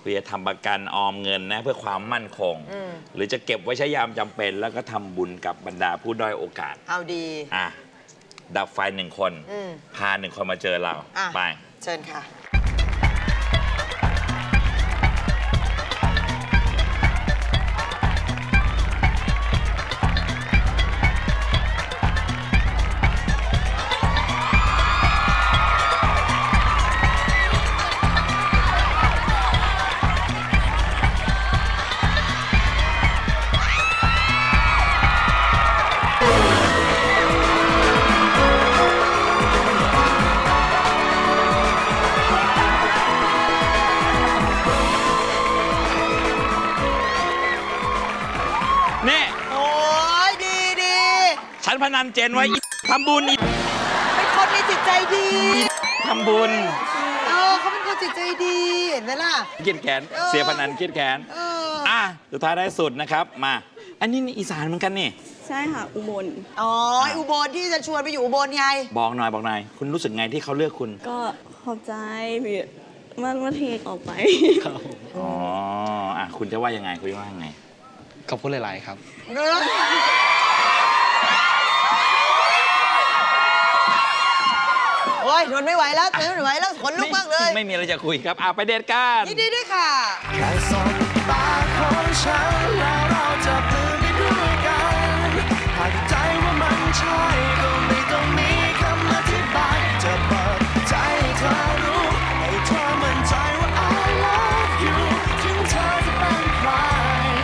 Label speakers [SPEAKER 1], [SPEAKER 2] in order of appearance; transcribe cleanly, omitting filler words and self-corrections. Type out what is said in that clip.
[SPEAKER 1] คุณจะทำประกันออมเงินนะเพื่อความมั่นคง หรือจะเก็บไว้ใช้ยามจำเป็น แล้วก็ทำบุญกับบรรดาผู้ด้อยโอกาส
[SPEAKER 2] เอาดี
[SPEAKER 1] ดับไฟ1 คนพา1 คนมาเจอเราไป
[SPEAKER 2] เชิญค่ะ
[SPEAKER 1] ฉันพนันเจนไว้ทำบุญ
[SPEAKER 2] เป็นคนมีจิตใจดี
[SPEAKER 1] ทำบุญ
[SPEAKER 2] เขาเป็นคนจิตใจดีเห็นไหมล่ะ
[SPEAKER 1] เกียดแขนเสียพนันเกียดแขนสุดท้ายได้สุดนะครับมาอันนี้อีสานเหมือนกันนี่
[SPEAKER 3] ใช่ค่ะอุบล
[SPEAKER 2] อุบลที่จะชวนไปอยู่อุบลไง
[SPEAKER 1] บอกหน่อยคุณรู้สึกไงที่เขาเลือกคุณ
[SPEAKER 3] ก็ขอบใจพี่มาเทออกไป
[SPEAKER 1] คุณจะว่ายังไงคุณว่ายังไง
[SPEAKER 4] ขอบคุณหลายๆครับ
[SPEAKER 2] โอ้ยทนไม่ไหวแล้วทนไม่ไหวแล้วขนลุกมากเลย
[SPEAKER 1] ไม่มีอะไรจะคุยครับไปเดทกัน
[SPEAKER 2] ยินดีด้วยค่ะ
[SPEAKER 5] แค่สบตาของฉันแล้วเรา